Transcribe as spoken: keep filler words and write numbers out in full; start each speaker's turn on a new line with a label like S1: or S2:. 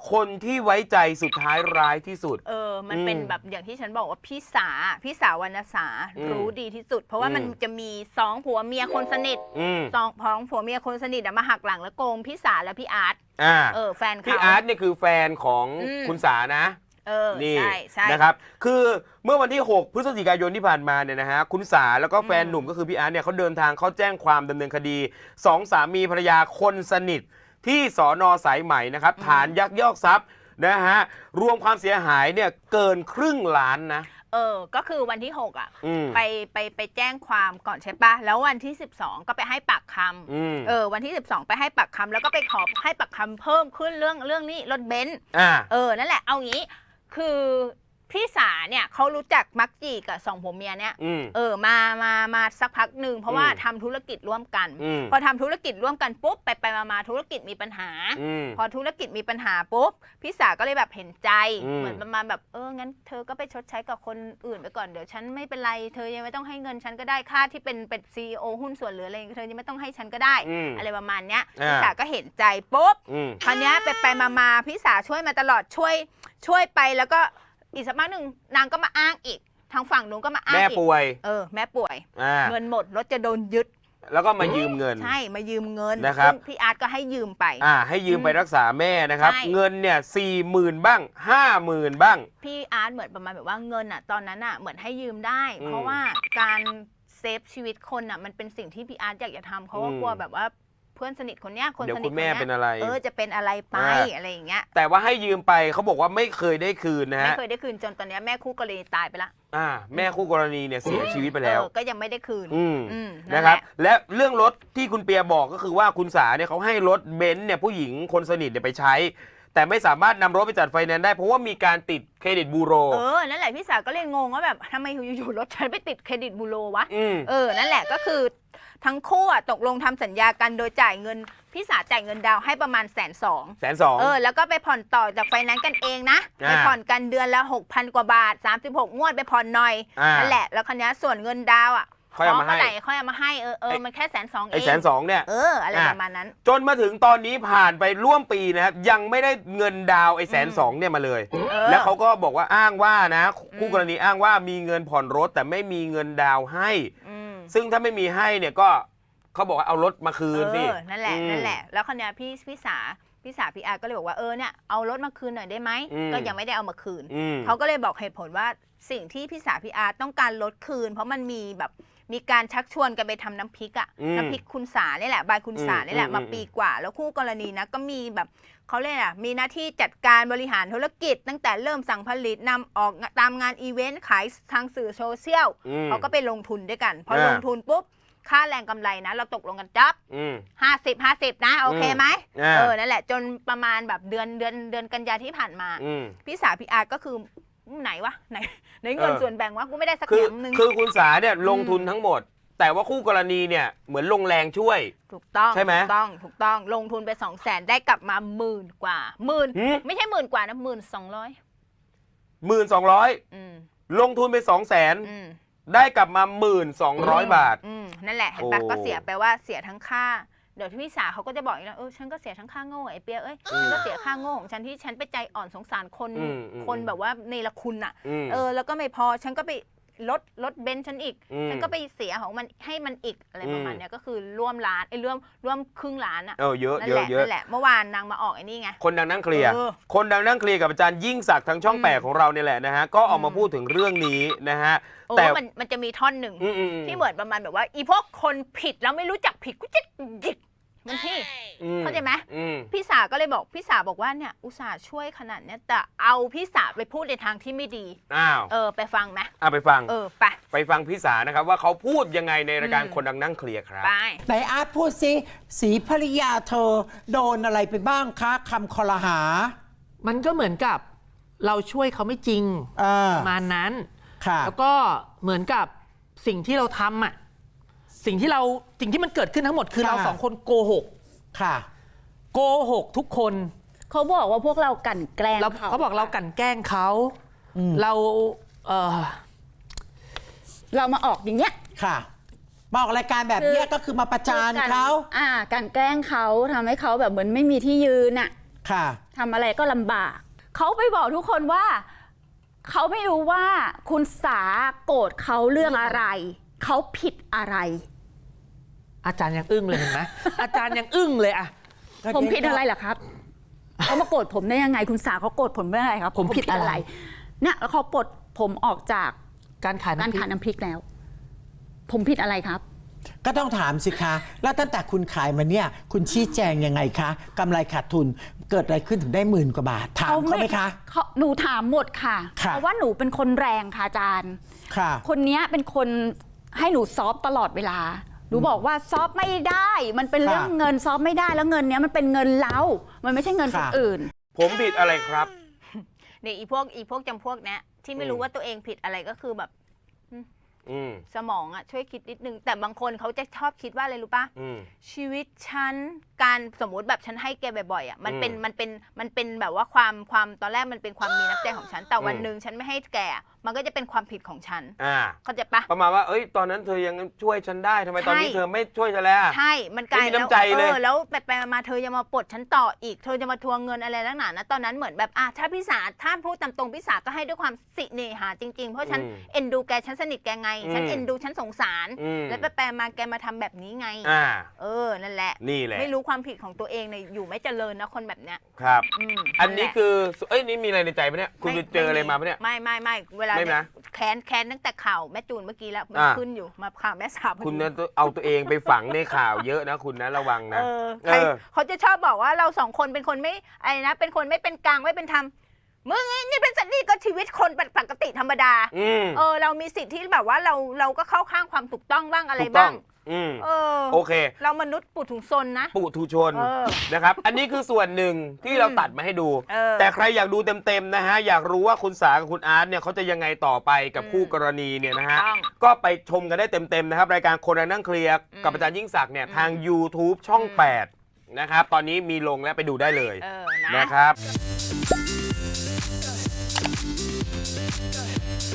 S1: คนที่ไว้ใจสุดท้ายร้ายที่สุด
S2: เออมันเป็นแบบอย่างที่ฉันบอกว่าพี่สาพี่สาววรรณสารู้ดีที่สุดเพราะว่ามันจะมีสองผัวเมียคนสนิทสองพ้องผัวเมียคนสนิทมาหักหลังแล้วโกงพี่สาและพี่อาร์ตเออแฟนเขา
S1: พี่อาร์ตเนี่ยคือแฟนของคุณสานะ
S2: เออ
S1: นี่
S2: ใช่ใช่
S1: นะครับคือเมื่อวันที่หกพฤศจิกายนที่ผ่านมาเนี่ยนะฮะคุณสาแล้วก็แฟนหนุ่มก็คือพี่อาร์ตเนี่ยเขาเดินทางเข้าแจ้งความดำเนินคดีสองสามีภรรยาคนสนิทที่สน.สายไหมนะครับฐานยักยอกทรัพย์นะฮะรวมความเสียหายเนี่ยเกินครึ่งล้านนะ
S2: เออก็คือวันที่หกอ่ะไปไปไปแจ้งความก่อนใช่ปะแล้ววันที่สิบสองก็ไปให้ปากคำเออวันที่สิบสองไปให้ปากคำแล้วก็ไปขอให้ปากคำเพิ่มขึ้นเรื่องเรื่องนี้รถเบนซ์เออนั่นแหละเอางี้คือพี่สาเนี่ยเขารู้จักมักจีกับสองผัวเมียเนี่ยเออมามามาสักพักหนึ่งเพราะว่าทำธุรกิจร่วมกันพอทำธุรกิจร่วมกันปุ๊บไปไปมามาธุรกิจมีปัญหาพอธุรกิจมีปัญหาปุ๊บพี่สาก็เลยแบบเห็นใจเหมือนประมาณแบบเอองั้นเธอก็ไปชดใช้กับคนอื่นไปก่อนเดี๋ยวฉันไม่เป็นไรเธอยังไม่ต้องให้เงินฉันก็ได้ค่าที่เป็นเป็นซีอีโอหุ้นส่วนหรืออะไรเธอยังไม่ต้องให้ฉันก็ได้อะไรประมาณเนี้ยพี่สาก็เห็นใจปุ๊บคราวนี้ไปไปมามาพี่สาช่วยมาตลอดช่วยช่วยไปแล้วก็อีกสักพักหนึ่งนางก็มาอ้างอีกทางฝั่งนู้นก็มาอ้างอีก
S1: แม่ป่วย
S2: เออแม่ป่วยเงินหมดรถจะโดนยึด
S1: แล้วก็มายืมเงิน
S2: ใช่มายืมเงิน
S1: นะครับ
S2: พี่อาร์ตก็ให้ยืมไป
S1: อ่าให้ยืมไปรักษาแม่นะครับเงินเนี่ยสี่หมื่นบ้างห้าหมื่นบ้าง
S2: พี่อาร์ตเหมือนประมาณแบบว่าเงินอ่ะตอนนั้นอ่ะเหมือนให้ยืมได้เพราะว่าการเซฟชีวิตคนอ่ะมันเป็นสิ่งที่พี่อาร์ตอยากจะทำเพราะว่ากลัวแบบว่าเพื่อนสนิทคนเนี้ยคนสนิทคนเนี้ยเออจะเป็นอะไรไปอะไรอย่างเงี้ย
S1: แต่ว่าให้ยืมไปเขาบอกว่าไม่เคยได้คืนนะฮะ
S2: ไม่เคยได้คืนจนตอนนี้แม่คู่กรณีตายไปละ
S1: อ่าแม่คู่กรณีเนี่ยเสียชีวิตไปแล้ว
S2: ก็ยังไม่ได้คืน
S1: นะครับและเรื่องรถที่คุณเปียบอกก็คือว่าคุณสาเนี่ยเขาให้รถเบนซ์เนี่ยผู้หญิงคนสนิทเนี่ยไปใช้แต่ไม่สามารถนำรถไปจัดไฟแนนซ์ได้เพราะว่ามีการติดเครดิตบูโร
S2: เออนั่นแหละพี่สาก็เลยงงว่าแบบทำไมอยู่ๆรถฉันไปติดเครดิตบูโรวะเออนั่นแหละก็คือทั้งคู่อ่ะตกลงทำสัญญากันโดยจ่ายเงินพี่สาจ่ายเงินดาวให้ประมาณแสนสอง
S1: แสนสอง
S2: เออแล้วก็ไปผ่อนต่อจากไฟแนนซ์กันเองนะไปผ่อนกันเดือนละหกพันกว่าบาทสามสิบหกงวดไปผ่อนหน่อยนั่นแหละแล้วคันนี้ส่วนเงินดาวอ่ะ
S1: ค่อยเอามาให้
S2: ค่อยเอามาให้เออเออมันแค่แสนสองเอง
S1: ไอ้แสนสองเนี่ย
S2: เอออะไรประมาณนั้น
S1: จนมาถึงตอนนี้ผ่านไปร่วมปีนะครับยังไม่ได้เงินดาวไอ้แสนสองเนี่ยมาเลยแล้วเขาก็บอกว่าอ้างว่านะคู่กรณีอ้างว่ามีเงินผ่อนรถแต่ไม่มีเงินดาวให้ซึ่งถ้าไม่มีให้เนี่ยก็เขาบอกว่าเอารถมาคืนสิ
S2: นั่นแหละนั่นแหละแล้วคนนี้พี่พี่สาพี่สาพี่อาร์ก็เลยบอกว่าเออเนี่ยเอารถมาคืนหน่อยได้ไหมก็ยังไม่ได้เอามาคืนเขาก็เลยบอกเหตุผลว่าสิ่งที่พี่สาพี่อาร์ต้องการรถคืนเพราะมันมีแบบมีการชักชวนกันไปทำน้ำพริกอ่ะน้ำพริกคุณสาเนี่ยแหละบายคุณสาเนี่ยแหละมาปีกว่าแล้วคู่กรณีนะก็มีแบบเขาเรียกอ่ะมีหน้าที่จัดการบริหารธุรกิจตั้งแต่เริ่มสั่งผลิตนำออกตามงานอีเวนต์ขายทางสื่อโซเชียลเขาก็ไปลงทุนด้วยกันพอลงทุนปุ๊บค่าแรงกำไรนะเราตกลงกันจับห้าสิบห้าสิบนะโอเคไหมเออนั่นแหละจนประมาณแบบเดือนเดือนเดือนกันยาที่ผ่านมาพี่สาพี่อาร์ก็คือไหนวะไหนไหนเงินส่วนแบ่งวะกูไม่ได้สักแหนนึง
S1: คือคุณสาเนี่ยลงทุนทั้งหมดแต่ว่าคู่กรณีเนี่ยเหมือนลงแรงช่วย
S2: ถูกต้อง
S1: ใช่ไหม
S2: ถูกต้องถูกต้องลงทุนไปสองแสนได้กลับมาหมื่นกว่าหมื่นไม่ใช่หมื่นกว่านะหมื่นสองร้อย
S1: หมื่นสองร้อยลงทุนไปสองแสนได้กลับมาหมื่นสองร้อยบาท
S2: นั่นแหละเห็นปะก็เสียไปว่าเสียทั้งค่าเดี๋ยวพี่สาเขาก็จะบอกอีกแล้วเออฉันก็เสียทั้งค่าโง่ไอ้เปียเอ้ยฉันก็เสียค่าโง่ของฉันที่ฉันไปใจอ่อนสงสารคนคนแบบว่าเนรคุณอ่ะเออแล้วก็ไม่พอฉันก็ไปลดลดเบนซ์ฉันอีกฉันก็ไปเสียของมันให้มันอีกอะไรประมาณนี้ก็คือร่วมล้านไอ้ร่วมร่วมครึ่งล้านอ่ะ
S1: เออเยอะเยอะเยอะ
S2: นั่นแหละเมื่อวานนางมาออกไอ้นี่ไง
S1: คนดังนั่งเคลียร์คนดังนั่งเคลียร์กับอาจารย์ยิ่งศักดิ์ทางช่องแปดของเราเนี่ยแหละนะฮะก็ออกมาพูดถึงเรื่องนี้นะฮะ
S2: แต่มันมันจะมีท่อนหนึ่งที่เหมือนประมาณแบบว่าอีพวกคนผิดแล้วไม่รู้จักผิดกูจะหยิกมันที่เข้าใจไหมพี่สาก็เลยบอกพี่สาบอกว่าเนี่ยอุตส่าห์ช่วยขนาดนี้แต่เอาพี่สาไปพูดในทางที่ไม่ดี
S1: อ้าว
S2: เออไปฟังไหม
S1: อ่ะไปฟัง
S2: เออไป
S1: ไปฟังพี่สานะครับว่าเขาพูดยังไงในรายการคนดังนั่งเคลียร์ครับ
S2: ไป
S3: ไหนอาร์ตพูดสิสีภริยาเธอโดนอะไรไปบ้างคะคำคอรหา
S4: มันก็เหมือนกับเราช่วยเขาไม่จริงประมาณนั้นแล้วก็เหมือนกับสิ่งที่เราทำอ่ะสิ่งที่เราสิ่งที่มันเกิดขึ้นทั้งหมดคือเราสองคนโกหกค่ะโกหกทุกคน
S5: เขาบอกว่าพวกเรากั่นแกล้ง
S4: เขาเขาบอกเรากั่นแกล้งเขาเราเออ
S5: เรามาออกอย่างเงี้ย
S3: ค่ะมาออกรายการแบบนี้ก็คือมาประจานเขา
S5: อ่ากั่นแกล้งเขาทำให้เขาแบบเหมือนไม่มีที่ยืนอ่ะ
S3: ค่ะ
S5: ทำอะไรก็ลำบาก เขาไปบอกทุกคนว่า เขาไม่รู้ว่าคุณสาโกรธเขาเรื่องอะไร เขาผิดอะไร
S4: อาจารย์ยังอึ้งเลยเห็นไหม อาจารย์ยังอึ้งเลยอะ
S5: ผมผิดอะไรเหรอครับ เขามาโกรธผมได้ยังไง คุณสาเขาโกรธผมเรื่องอะไรครับ
S4: ผมผิดอะไร
S5: เนี่ยแล้วเขาปลดผมออกจาก
S4: การขาย
S5: การ
S4: น้ำพริ
S5: ขาย
S4: ก
S5: น้ำพริกแล้ว ผมผิดอะไรครับ
S3: ก็ต้องถามสิคะ แล้วตั้งแต่คุณขายมาเนี่ย คุณชี้แจงยังไงคะกำไรขาดทุนเกิดอะไรขึ้นถึงได้หมื่นกว่าบาท ถามเขาไหมคะ
S5: เขาหนูถามหมดค่ะ
S3: ค่ะ
S5: เพราะว่าหนูเป็นคนแรงค่ะอาจารย์
S3: ค่ะ
S5: คนเนี้ยเป็นคนให้หนูซอฟต์ตลอดเวลา หนูบอกว่าซอฟต์ไม่ได้ มันเป็น
S3: ค่ะ
S5: เรื่องเงินซอฟต์ไม่ได้ แล้วเงินเนี้ยมันเป็นเงินเรา มันไม่ใช่เงินคน
S3: ค่ะ
S5: อื่น
S1: ผมผิดอะไรครับ
S2: เนี่ยอีพวกอีพวกจำพวกเนี้ยที่ไม่รู้ว่าตัวเองผิดอะไรก็คือแบบ
S1: อืม
S2: สมองอะช่วยคิดนิดนึง แต่บางคนเขาจะชอบคิดว่าอะไรรู้ปะ
S1: อืม
S2: ชีวิตฉันการสมมุติแบบฉันให้แกบ่อยๆอะมันเป็น
S1: อืม
S2: มันเป็นมันเป็นแบบว่าความความตอนแรกมันเป็นความมีน้ำใจของฉัน แต่วัน
S1: อืม
S2: หนึ่งฉันไม่ให้แกมันก็จะเป็นความผิดของฉัน
S1: อ่า
S2: เข้าใจปะ
S1: ประมาณว่า เอ้ย ตอนนั้นเธอยังช่วยฉันได้ทำไม
S2: ใช่
S1: ตอนนี้เธอไม่ช่วยฉันแล้ว
S2: ใช่ มันกลาย
S1: ไม่มีน้ำใจเลย
S2: ออแล้วไปไปมาๆเธอจะมาปลดฉันต่ออีก เธอจะมาทวงเงินอะไรนักหนานะ ตอนนั้นเหมือนแบบอ่ะถ้าพี่สาถ้าพูดตามตรงพี่สาก็ให้ด้วยความสิเนหาจริงๆ เพราะฉัน
S1: อืม
S2: เอ็นดูแก ฉันสนิทแกไง ฉัน
S1: อืม
S2: เอ็นดู ฉันสงสาร
S1: อืม
S2: แล้วไปไปมาแกมาทำแบบนี้ไง
S1: อ่า
S2: เออ นั่นแหละ
S1: นี่แหละ
S2: ไม่รู้ความผิดของตัวเองเนี่ยอยู่ไม่เจริญนะคนแบบเนี้ย
S1: ครับ
S2: อืม
S1: อันนี้
S2: แหละ
S1: คือ เอ้ย นี่มีอะไรในใจปะเนี่ย คุณไปเจออะไรมาปะเนี่ย
S2: ไม่ไม่ไม่เวลา
S1: ไม่นะ
S2: แค้นแค้นตั้งแต่ข่าวแม่จูนเมื่อกี้แล้วมัน
S1: อ่า
S2: ขึ้นอยู่มาข่าวแม่สาวพอดี
S1: คุณนะเอาตัวเองไปฝังในข่าวเยอะนะคุณนะระวังนะ
S2: เออใคร
S1: เออ
S2: เขาจะชอบบอกว่าเราสองคนเป็นคนไม่อะไรนะ เป็นคนไม่เป็นกลางไม่เป็นธรรมมึงนี่เป็นสัตว์นี่ก็ชีวิตคนปกติธรรมดา
S1: อืม
S2: เออ เรามีสิทธิ์ที่แบบว่าเราเราก็เข้าข้างความถูกต้องบ้างอะไร
S1: ถูกต้
S2: บ้า
S1: อง
S2: ง
S1: อืม
S2: เออ
S1: โอเค
S2: เรามนุษย์ปุถุชนนะ
S1: ปุถุชน
S2: เออ
S1: นะครับ อันนี้คือส่วนหนึ่งที่เราตัดมาให้ดู
S2: เออ
S1: แต่ใครอยากดูเต็มๆนะฮะ อยากรู้ว่าคุณสากับคุณอาร์ตเนี่ยเขาจะยังไงต่อไปกับ
S2: อืม
S1: คู่กรณีเนี่ยนะฮะ
S2: ต้อง
S1: ก็ไปชมกันได้เต็มๆนะครับ รายการคนนั่งเคลียร์
S2: อืม
S1: กับอาจารย์ยิ่งศักดิ์เนี่ย
S2: อืม
S1: ทาง YouTube ช่อง
S2: อืม
S1: แปดนะครับ ตอนนี้มีลงแล้วไปดูได้เลย
S2: เออนะ
S1: นะครับ